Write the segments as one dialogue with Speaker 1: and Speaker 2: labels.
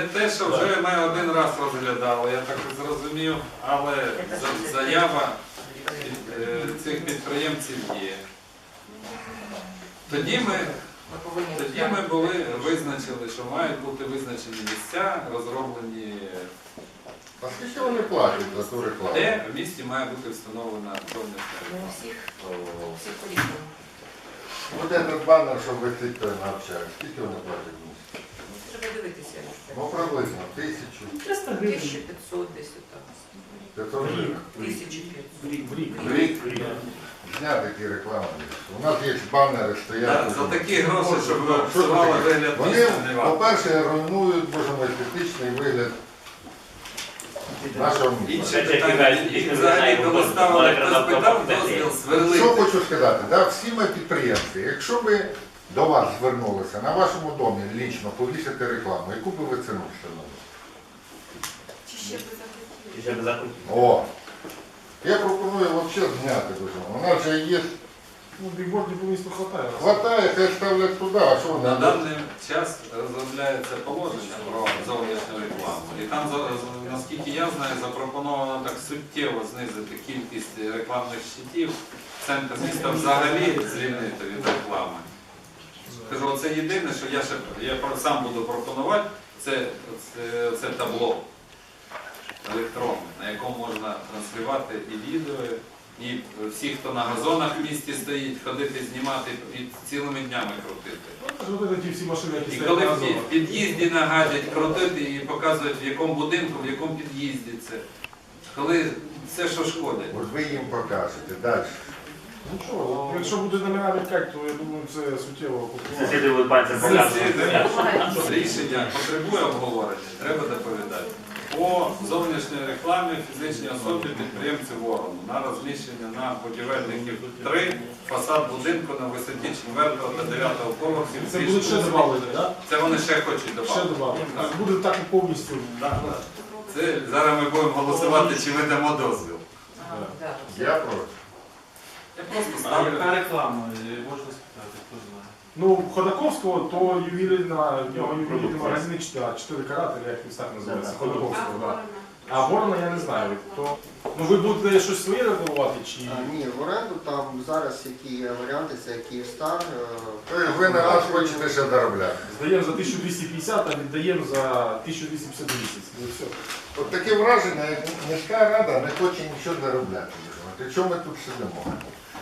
Speaker 1: те, що вже ми один раз розглядали, я так зрозумів, але заява цих підприємців є. Тоді ми визначили, що мають бути визначені місця, розроблені,
Speaker 2: А скільки вони платять за ту рекламу?
Speaker 1: де в місті має бути встановлена зовнішня реклама.
Speaker 3: Всіх по-різному.
Speaker 2: От этот банер, що висить той на общак, скільки вони платять в місті?
Speaker 3: Треба дивитися.
Speaker 2: Ну приблизно 1000.
Speaker 4: 300 гривень.
Speaker 3: 1500 десь отак.
Speaker 2: 500 гривень.
Speaker 3: 1500.
Speaker 2: В рік. Зняти такі реклами. У нас є банери, стоять.
Speaker 1: За такі гроші, щоб
Speaker 2: Що
Speaker 1: псували
Speaker 2: таке?
Speaker 1: вигляд
Speaker 2: Вони,
Speaker 1: міста, не варто.
Speaker 2: по-перше, руйнують, боже мой, естетичний вигляд нашого міста.
Speaker 1: Інше питання, і взагалі, коли ставили, хтось питав дозвіл
Speaker 2: Що
Speaker 1: сверлити.
Speaker 2: хочу сказати, да, всі ми підприємці, якщо би до вас звернулися, на вашому домі лічно повісити рекламу, яку би ви ціну встановили?
Speaker 3: Чи ще би
Speaker 2: О! Я пропоную взагалі зняти дуже. У нас вже є,
Speaker 5: Ну, бігбордів по місту хватає.
Speaker 2: хватає, хай ставлять туди, а що вони?
Speaker 1: На даний час розробляється положення про зовнішню рекламу. І там, наскільки я знаю, запропоновано так суттєво знизити кількість рекламних щитів. Центр міста взагалі звільнити від реклами. Кажу, це єдине, що я сам буду пропонувати, це табло електронне, на якому можна транслювати і відео, і всі, хто на газонах в місті стоїть, ходити, знімати і цілими днями крутити.
Speaker 5: Ось ті всі машини, які
Speaker 1: І
Speaker 5: стоять
Speaker 1: коли
Speaker 5: на
Speaker 1: в
Speaker 5: газонах.
Speaker 1: під'їзді нагадять, крутити і показують, в якому будинку, в якому під'їзді це. Коли все, що шкодить.
Speaker 2: От ви їм покажете, далі.
Speaker 5: Нічого, якщо буде номера відкать, то я думаю, це суттєво попливає.
Speaker 4: Сусіди будуть пальцем показувати.
Speaker 1: Рішення потребує обговорення, треба доповідати. По зовнішній рекламі фізичній особі підприємці Ворону на розміщення на будівельників 3, фасад будинку на висоті 4 та 9 поверхів.
Speaker 5: Це буде ще додати, так?
Speaker 1: Це вони ще хочуть
Speaker 5: Ще
Speaker 1: додати.
Speaker 5: додати. Буде так і повністю.
Speaker 1: Це зараз ми будемо голосувати, чи ми дамо дозвіл.
Speaker 2: Я проти.
Speaker 1: Я просто
Speaker 6: А
Speaker 1: ставлю.
Speaker 6: яка реклама? Можна спитати, хто знає.
Speaker 5: Ну, Ходаковського, то ювілейна, в нього ювілейний магазин 4 карати, як він так називається, Ходаковського, так. А Ворона я не знаю. То, ну ви будете щось своє рекламувати чи...
Speaker 7: Ні, в оренду там зараз які є варіанти, це Київстар.
Speaker 2: Ви на нас хочете ще заробляти.
Speaker 5: Здаємо за 1250, а віддаємо за 1250 в місяць. Ну і все.
Speaker 2: От таке враження, як міська рада не хоче нічого заробляти. От чому ми тут сидимо?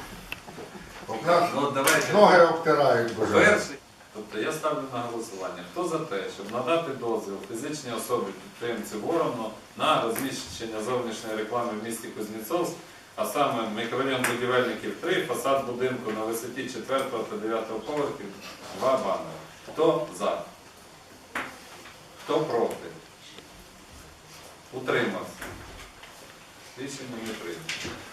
Speaker 2: От нас
Speaker 1: Ну, давайте.
Speaker 2: ноги обтирають, боже.
Speaker 1: Перший. Тобто я ставлю на голосування. Хто за те, щоб надати дозвіл фізичній особі підприємці Ворону на розміщення зовнішньої реклами в місті Кузнєцовськ, а саме мікрорайон будівельників 3, фасад будинку на висоті 4 та 9 поверхів, 2 банери. Хто за? Хто проти? Утримався. Рішення не прийнято.